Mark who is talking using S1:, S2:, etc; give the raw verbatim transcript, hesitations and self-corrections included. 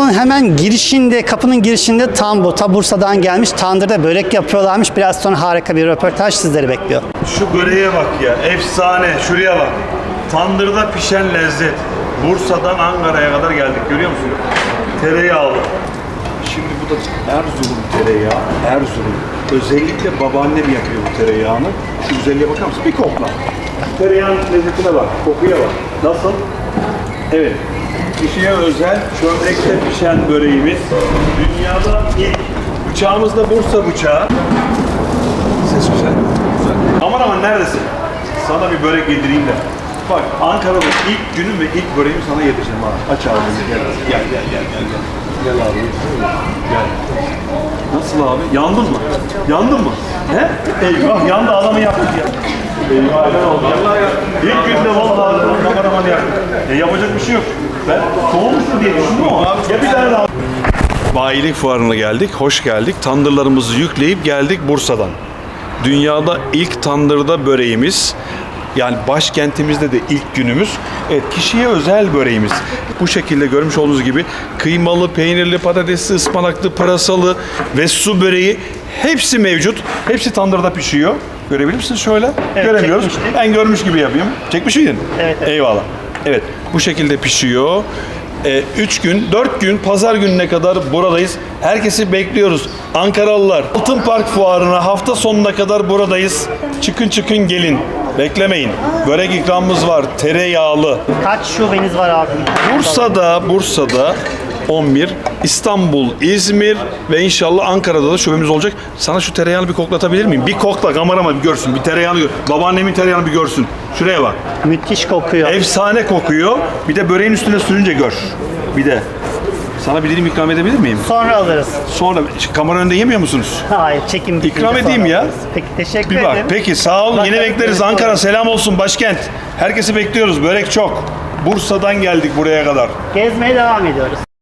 S1: Kasabın hemen girişinde, kapının girişinde tam bu, ta Bursa'dan gelmiş tandırda börek yapıyorlarmış. Biraz sonra harika bir röportaj sizleri bekliyor.
S2: Şu böreğe bak ya, efsane. Şuraya bak. Tandırda pişen lezzet. Bursa'dan Ankara'ya kadar geldik, görüyor musun? Tereyağlı. Şimdi bu da Erzurum tereyağı. Erzurum. Özellikle babaannem yapıyor bu tereyağını. Şu güzelliğe bakar mısın? Bir kokla. Tereyağın lezzetine bak, kokuya bak. Nasıl? Evet. Kişiye özel çömlekte pişen böreğimiz. Dünyada ilk. Bıçağımız da Bursa bıçağı. Ses güzel. Güzel. Aman aman neredesin? Sana bir börek yedireyim de. Bak Ankara'da ilk günüm ve ilk böreğimi sana yedireceğim ha. Aç abi gel. Gel gel gel gel. Gel, gel abi. Gel. Nasıl abi? Yandın mı? Yandın mı? He? Eyvah yandı adamı yaktık ya. Eyvah ne oldu? İlk günde vallahi kameraman yaktık. E yapacak bir şey yok. Ben soğumuştur diye düşündüm ama ya bir tane daha. Bayilik fuarına geldik, hoş geldik. Tandırlarımızı yükleyip geldik Bursa'dan. Dünyada ilk tandırda böreğimiz, yani başkentimizde de ilk günümüz. Evet, kişiye özel böreğimiz. Bu şekilde görmüş olduğunuz gibi kıymalı, peynirli, patatesli, ıspanaklı, pırasalı ve su böreği hepsi mevcut. Hepsi tandırda pişiyor. Görebilir misiniz şöyle?
S1: Evet,
S2: göremiyoruz.
S1: çekmiştik.
S2: Ben görmüş gibi yapayım. Çekmiş miydin?
S1: Evet, evet.
S2: Eyvallah. Evet, bu şekilde pişiyor. Ee, üç gün, dört gün, pazar gününe kadar buradayız. Herkesi bekliyoruz. Ankaralılar, Altın Park Fuarı'na hafta sonuna kadar buradayız. Çıkın çıkın gelin. Beklemeyin. Börek ikramımız var. Tereyağlı.
S1: Kaç şubeniz var abi?
S2: Bursa'da, Bursa'da on bir, İstanbul, İzmir ve inşallah Ankara'da da şubemiz olacak. Sana şu tereyağını bir koklatabilir miyim? Bir kokla, kamerama bir görsün. Bir tereyağını gör. Babaannemin tereyağını bir görsün. Şuraya bak.
S1: Müthiş kokuyor.
S2: Efsane kokuyor. Bir de böreğin üstüne sürünce gör. Bir de. Sana bir dilim ikram edebilir miyim?
S1: Sonra alırız.
S2: Sonra kamera önünde yemiyor musunuz?
S1: Hayır, çekim bitince
S2: İkram edeyim
S1: sonra
S2: ya.
S1: alırız. Peki, teşekkür
S2: Bir bak.
S1: ederim.
S2: Peki sağ olun. Yine
S1: Bakalım,
S2: bekleriz.
S1: evet,
S2: Ankara
S1: olur.
S2: selam olsun başkent. Herkesi bekliyoruz. Börek çok. Bursa'dan geldik buraya kadar.
S1: Gezmeye devam ediyoruz.